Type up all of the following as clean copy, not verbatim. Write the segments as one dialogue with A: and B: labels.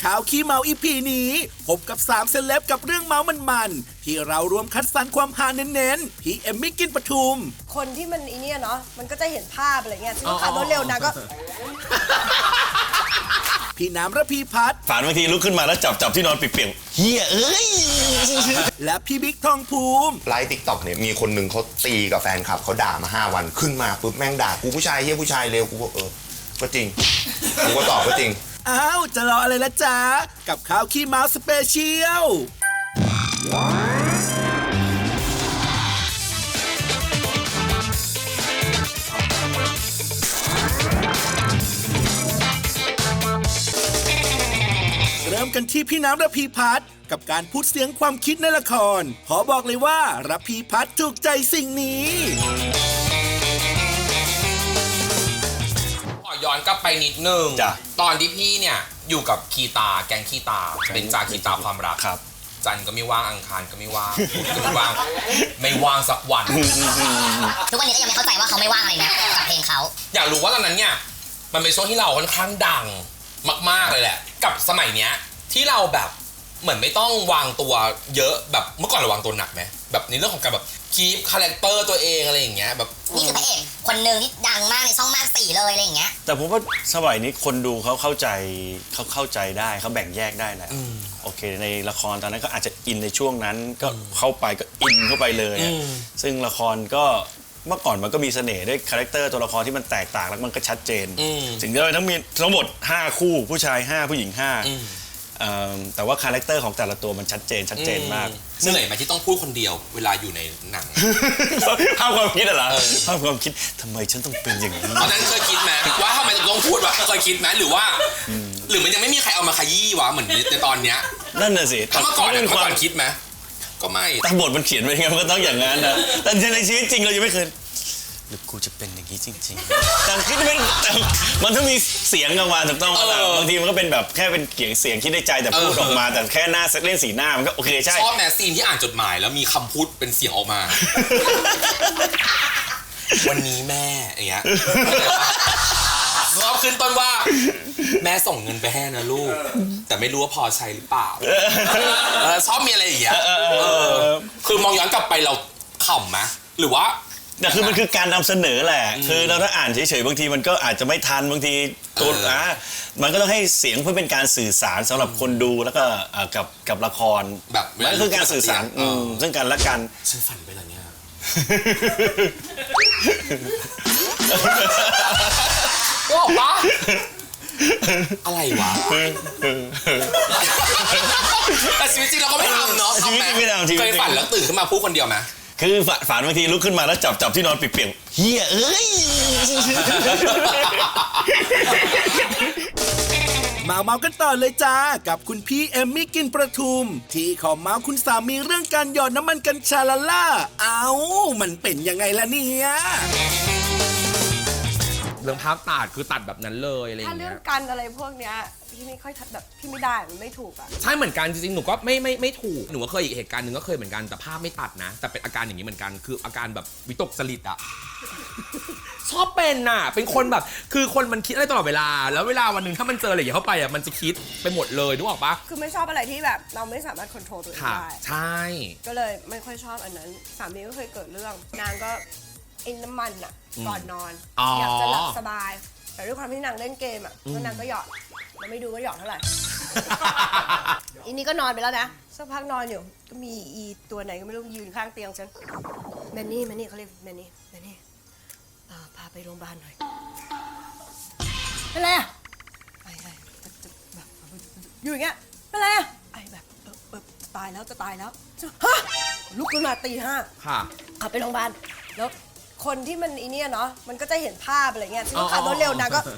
A: ข่าวขี้เมาอีพีนี้พบกับ3เซเลบกับเรื่องเมามันๆที่เรารวมคัดสรรความฮาเน้นๆพี่เอมมี่กินปทุม
B: คนที่มันอีเนี่ยเนาะมันก็จะเห็นภาพอะไรเงี้ยที่ขับรถเร็วนะก็
A: พี่น้ำระพีพัฒน์
C: ฝันบางทีลุกขึ้นมาแล้วจับที่นอนเปียกๆเฮียเอ้ย
A: และพี่บิ๊กทองภูมิ
D: ไลฟ์ติ๊กต็อกเนี่ยมีคนหนึ่งเขาตีกับแฟนคลับเขาด่ามา5 วันขึ้นมาปุ๊บแม่งด่ากูผู้ชายเฮียผู้ชายเร็วกูก็ก็จริงกูก็ตอบก็จริง
A: อ้าวจะรออะไรละจ๊ะกับข่าวขี้เมาสเปเชียลเริ่มกันที่พี่น้ำระพีพัฒน์กับการพูดเสียงความคิดในละครขอบอกเลยว่าระพีพัฒน์ถูกใจสิ่งนี้
E: ย้อนกลับไปนิดนึงตอนที่พี่เนี่ยอยู่กับคีตาแกงคีตาเป็นจากคีตาความรัก
C: ครับ
E: จันทร์ก็ไม่ว่างอังคารก็ไม่ว่างก็ไม่ว่างสักวัน
F: ทุกวันนี้ก็ยังไม่เข้าใจว่าเขาไม่ว่างอะไรนะกับเพลงเขา
E: อยากรู้ว่าตอนนั้นเนี่ยมันเป็นช่วงที่เราค่อนข้างดังมากๆเลยแหละกับสมัยเนี้ยที่เราแบบเหมือนไม่ต้องวางตัวเยอะแบบเมื่อก่อนเราวางตัวหนักไหมแบบในเรื่องของการแบบคีปคาแรคเตอร์ตัวเองอะไรอย่างเงี้ยแบบ
F: นี่คือพระเอกคนหนึ่งที่ดังมากในช่องมาก4เลยอะไรอย่างเงี้ย
C: แต่ผมว่าสมัยนี้คนดูเขาเข้าใจได้เขาแบ่งแยกได้แล้วโอเคในละครตอนนั้นก็อาจจะอินในช่วงนั้นก็เข้าไปก็อินเข้าไปเลยซึ่งละครก็เมื่อก่อนมันก็มีเสน่ห์ด้วยคาแรคเตอร์ตัวละครที่มันแตกต่างแล้วมันก็ชัดเจนสิ่งที่เราต้องมีทั้งหมด5คู่ผู้ชาย5ผู้หญิง5แต่ว่าคาแรคเตอร์ของแต่ละตัวมันชัดเจนมาก
E: เหนื่อยไหมที่ต้องพูดคนเดียวเวลาอยู่ในหนัง
C: ภาพความคิดเหรอภาพความคิดทำไมฉันต้องเป็นอย่างนี้
E: ตอนนั้นเคยคิดไหมว่าทำไมต้องพูดวะเคยคิดไหมหรือว่าหรือมันยังไม่มีใครเอามาขยี้วะเหมือนในตอนเนี้ย
C: นั่นน่ะสิ
E: ถ้าเมื่อก่อนคิดไหมก็ไม่
C: แต่บทมันเขียนไว้ไงมันก็ต้องอย่างนั้นนะแต่ในชีวิตจริงเรายังไม่เคยหรือกูจะเป็นอย่างนี้จริงๆแต่คิดมันต้องมีเสียงออกมาถูกต้องบางทีมันก็เป็นแบบแค่เป็นเสียงคิดในใจแต่พูดออกมาแต่แค่หน้าเล่นสีหน้ามันก็โอเคใช่
E: ชอบแมสซีนที่อ่านจดหมายแล้วมีคำพูดเป็นเสียงออกมาวันนี้แม่อย่างเงี้ยชอบขึ้นต้นว่าแม่ส่งเงินไปให้นะลูกแต่ไม่รู้ว่าพอใช้หรือเปล่าชอบมีอะไรอย่างเงี้ยคือมองย้อนกลับไปเราขำไหมหรือว่า
C: แต่คือมันคือการนำเสนอแหละคือเราถ้าอ่านเฉยๆบางทีมันก็อาจจะไม่ทันบางทีตัวมันก็ต้องให้เสียงเพื่อเป็นการสื่อสารสำหรับคนดูแล้วก็กับละคร
E: แบบ
C: มันคือการสื่อสารซึ่งกันและกัน
E: ฉันฝันไปแล้วเนี่ยก็บอกว่าอะไรวะแต่ชีวิตจริงเราก็ไม่ทำเนาะ
C: ชีวิตจริงไม่ทำ
E: เคยฝันแล้วตื่นขึ้นมาพูดคนเดียวไหม
C: คือฝันบางทีลุกขึ้นมาแล้วจับที่นอนเปียกๆเฮียเอ้ย
A: มากันต่อเลยจ้ากับคุณพี่เอมมี่กินประทุมที่ขอเมาคุณสามีเรื่องการหยอดน้ำมันกัญชาละล่ามันเป็นยังไงล่ะเนี่ย
E: เรื่องภาพตัดคือตัดแบบนั้นเลยอะไรอย่างเงี้ย
B: ถ้าเรื่องกันอะไรพวกเนี้ยพี่ไม่ค่อยแบบพี่ไม่ได้มันไม่ถูกอ่ะ
E: ใช่เหมือนกันจริงๆหนูก็ไม่ถูกหนูก็เคยอีกเหตุการณ์หนึ่งก็เคยเหมือนกันแต่ภาพไม่ตัดนะแต่เป็นอาการอย่างนี้เหมือนกันคืออาการแบบวิตกจริตอ่ะชอบเป็นน่ะเป็นคนแบบคือคนมันคิดอะไรตลอดเวลาแล้วเวลาวันหนึ่งถ้ามันเจออะไรอย่างเงี้ยเข้าไปอ่ะมันจะคิดไปหมดเลยนึกออกปะ
B: คือไม่ชอบอะไรที่แบบเราไม่สามารถควบคุมตัวเองได้
E: ใช่
B: ก็เลยไม่ค่อยชอบอันนั้นสามีก็เคยเกิดเรื่องนางก็ไอ้น้ำมันอ่ะก่อนนอนอยากจะหลับสบายแต่ด้วยความที่นางเล่นเกมอ่ะแล้วนางก็หยอดเราไม่ดูว่าหยอดเท่าไหร่ อีนี่ก็นอนไปแล้วนะสักพักนอนอยู่ก็มีอีตัวไหนก็ไม่รู้ยืนข้างเตียงฉันแมนนี่เขาเรียกแมนนี่พาไปโรงพยาบาลหน่อยเป็นไรอ่ะไอ้แบบอยู่อย่างเงี้ยเป็นไรอ่ะไอ้แบบจะตายแล้วฮะลุกขึ้นมาตี 5
E: ค่ะ
B: ขับไปโรงพยาบาลแล้วคนที่มันอีเนี่ยเนาะมันก็จะเห็นภาพอะไรเงี้ยที่ขับรถเร็วนะก็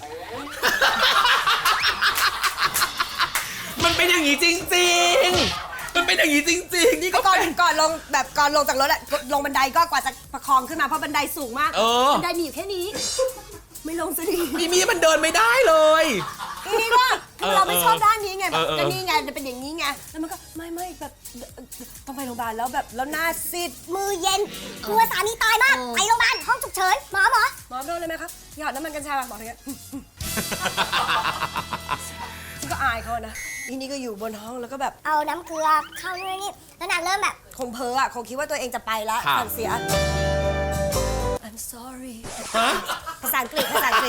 E: มันเป็นอย่างนี้จริงๆมันเป็นอย่างนี้จริงๆนี่ก็
B: ก่อนลงแบบก่อนลงจากรถอะลงบันไดก็กว่าจะประคองขึ้นมาเพราะบันไดสูงมากบันไดมีอยู่แค่นี้ไม่ลงสักที
E: มีมันเดินไม่ได้เลย
B: ทีนี้ก็เราไม่ชอบด้านนี้ไงแบบก็นี่ไงจะเป็นอย่างนี้ไงแล้วมันก็ไม่แบบต้องไปโรงพยาบาลแล้วแบบแล้วหน้าซีด
F: มือเย็นกลัวสามีตายมากไปโรงพยาบาลห้องฉุกเฉินหมอ
B: โดนเลยไหมครับหยอดน้ำมันกัญชาบอกอย่างเงี้ยก็อายเขานะอีนี่ก็อยู่บนห้องแล้วก็แบบ
F: เอาน้ำเกลือเข้านู่นนี่แล้วนางเริ่มแบบ
B: คงเพ้ออ่ะคงคิดว่าตัวเองจะไปแล้ว
E: ครับ
B: สั่งเสีย I'm sorry
E: ฮะ
B: ภาษาอังกฤษ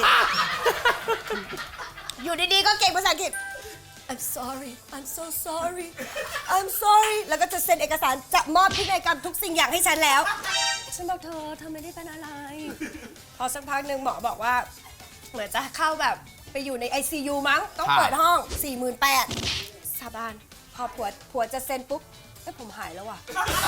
B: อยู่ดีๆก็เก่งภาษาอังกฤษ I'm sorry I'm so sorry I'm sorry แล้วก็จะเซ็นเอกสารจะมอบพินัยกรรมทุกสิ่งอย่างให้ฉันแล้ว ฉันบอกเธอไม่ได้เป็นอะไร พอสักพักหนึ่งหมอบอกว่า เหมือนจะเข้าแบบไปอยู่ใน ICU มั้ง ต้องเปิดห้อง 48,000สาบานพอผัวจะเซ็นปุ๊บผมหายแล้วว่ะ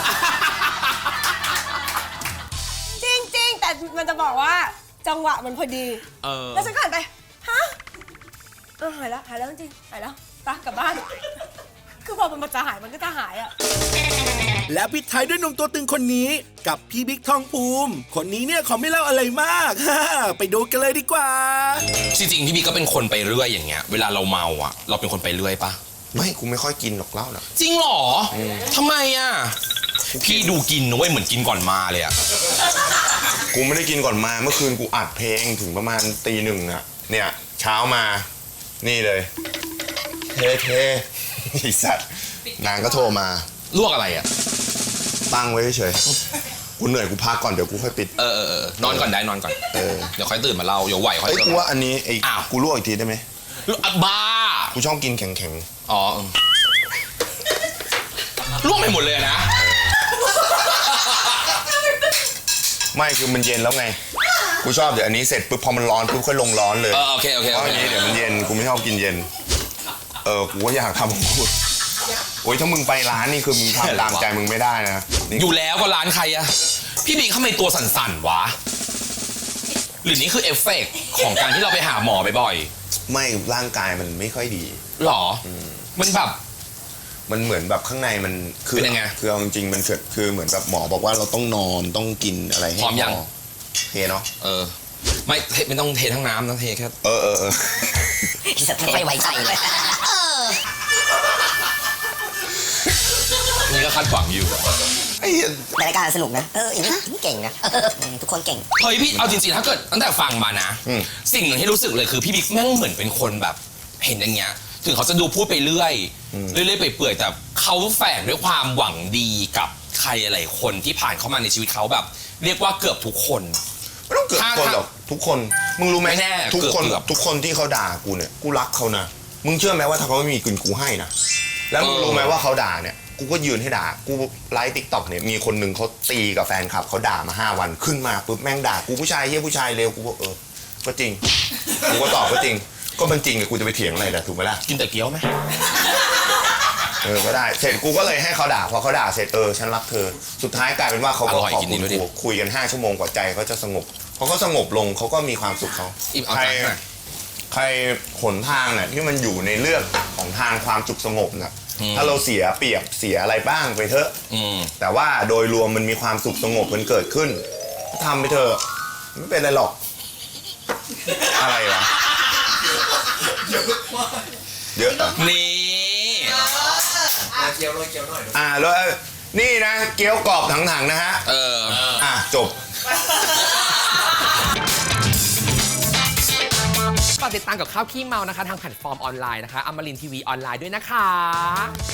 B: จริงๆ แต่มันจะบอกว่าจังหวะมันพอดี แล้วฉันก็หันไป ฮะหายแล้วจริงๆหายแล้วไปกลับบ้าน คือพอมันจะหายมันก็จะหายอ่ะ
A: และปิดท้ายด้วยหนุ่มตัวตึงคนนี้กับพี่บิ๊กทองภูมิ คนนี้เนี่ยเขาไม่เล่าอะไรมาก ไปดูกันเลยดีกว่า
E: จริงๆพี่บีก็เป็นคนไปเรื่อยอย่างเงี้ยเวลาเราเมาอ่ะเราเป็นคนไปเรื่อยปะ
D: ไม่กูไม่ค่อยกินหรอกเหล้าน่ะ
E: จริงเหรอทำไมอ่ะพี่ดูกินนะเว้ยเหมือนกินก่อนมาเลยอ่ะ
D: กูไม่ได้กินก่อนมาเมื่อคืนกูอัดเพลงถึงประมาณตี 1อะเนี่ยเช้ามานี่เลยเทไอ้สัตว์นางก็โทรมา
E: ลวกอะไรอ่ะ
D: ตั้งไว้เฉยๆกูเหนื่อยกูพักก่อนเดี๋ยวกูค่อยปิด
E: นอนก่อนได้นอนก่อนเดี๋ยวค่อยตื่นมาเล่าเดี๋ยวไหวค่อย
D: เอ้ย
E: ตื่น
D: กูว่าอันนี้ไอ้
E: อ้าว
D: กูลวกอีกทีได้ไหม
E: บ้า
D: กูชอบกินแข็ง
E: อ๋อลวกไปหมดเลยนะ
D: ๆไม่คือมันเย็นแล้วไงกูชอบเดี๋ยวอันนี้เสร็จปุ๊บพอมันร้อนปุ๊บค่อยลงร้อนเลย
E: โอเค
D: เพราะอันนี้เดี๋ยวมันเย็นกูไม่ชอบกินเย็นกูก็อยากทำของกูโอ้ยถ้ามึงไปร้านนี่คือมึงทำตามใจมึงไม่ได้นะนี่
E: อยู่แล้วก็ร้านใครอะพี่บีทำไมตัวสั่นๆวะหรือนี่คือเอฟเฟกต์ของการที่เราไปหาหมอบ่อย
D: ไม่ร่างกายมันไม่ค่อยดี
E: ๆหรอมันแบบ
D: มันเหมือนแบบข้างในมันคือ
E: เป็นยังไง
D: คือเอาจริงๆมันเกิดคือเหมือนแบบหมอบอกว่าเราต้องนอนต้องกินอะไรให้
E: พร้อมยัง
D: เทเนาะ
E: ไม่ต้องเททั้งน้ำต้องเทแค่
G: ไม่ไว้ใจเลย
E: นี่ก็คาดหวังอยู่
D: ไอ้เหี้ย
G: ในรายการสนุกนะ อย่างนี้เก่งนะทุกคนเก่ง
E: เฮ้ยพี่เอาจริงๆถ้าเกิดตั้งแต่ฟังมานะ สิ่งหนึ่งที่รู้สึกเลยคือพี่บิ๊กแม่งเหมือนเป็นคนแบบเห็นอย่างเงี้ยถึงเขาจะดูพูดไปเรื่อยไปเปื่อยแต่เขาแฝงด้วยความหวังดีกับใครหลายคนที่ผ่านเข้ามาในชีวิตเขาแบบ เรียกว่าเกือบทุกคน
D: ไม่ต้องเกือบทุกคนหรอกทุกคนมึงรู้ไหม
E: ไม่แน่
D: ทุกคน
E: เกือบ
D: ทุกคนที่เขาด่ากูเนี่ยกูรักเขานะมึงเชื่อไหมว่าถ้าเขาไม่มีกูให้นะแล้วมึงรู้ไหมว่าเขาด่าเนี่ยกูก็ยืนให้ด่ากูไลฟ์ติ๊กต็อกเนี่ยมีคนหนึ่งเขาตีกับแฟนคลับเขาด่ามา5 วันขึ้นมาปุ๊บแม่งด่ากูผู้ชายเฮี้ยผู้ชายเลวกูก็ก็จริงกูก็ตอบก็จริงก็มันจริงกูจะไปเถียงอะไรล่ะถูกไหมล่ะ
E: กินแต่เกี๊ยวไหม
D: ก็ได้เสร็จกูก็เลยให้เขาด่าพอเขาด่าเสร็จฉันรักเธอสุดท้ายกลายเป็นว่าเขาก็ขอบคุณกูคุยกัน5 ชั่วโมงกว่าใจเขาจะสงบพอเขาสงบลงเขาก็มีความสุขเขา
E: เอา
D: ใคร
E: ใจหน่อย
D: ใครหนทางเนี่ยที่มันอยู่ในเรื่องของทางความสุขสงบน่ะถ้าเราเสียเปรียบเสียอะไรบ้างไปเถอะแต่ว่าโดยรวมมันมีความสุขสงบมันเกิดขึ้นทำไปเถอะไม่เป็นไรหรอกอะไรวะเยอะ
E: นี่
D: แล้วนี่นะเกี๊ยวกรอบถังๆนะฮะจบ
E: ฝากติดตามกับข้าวขี้เมานะคะทางแพลตฟอร์มออนไลน์นะคะอมรินทร์ทีวีออนไลน์ด้วยนะคะ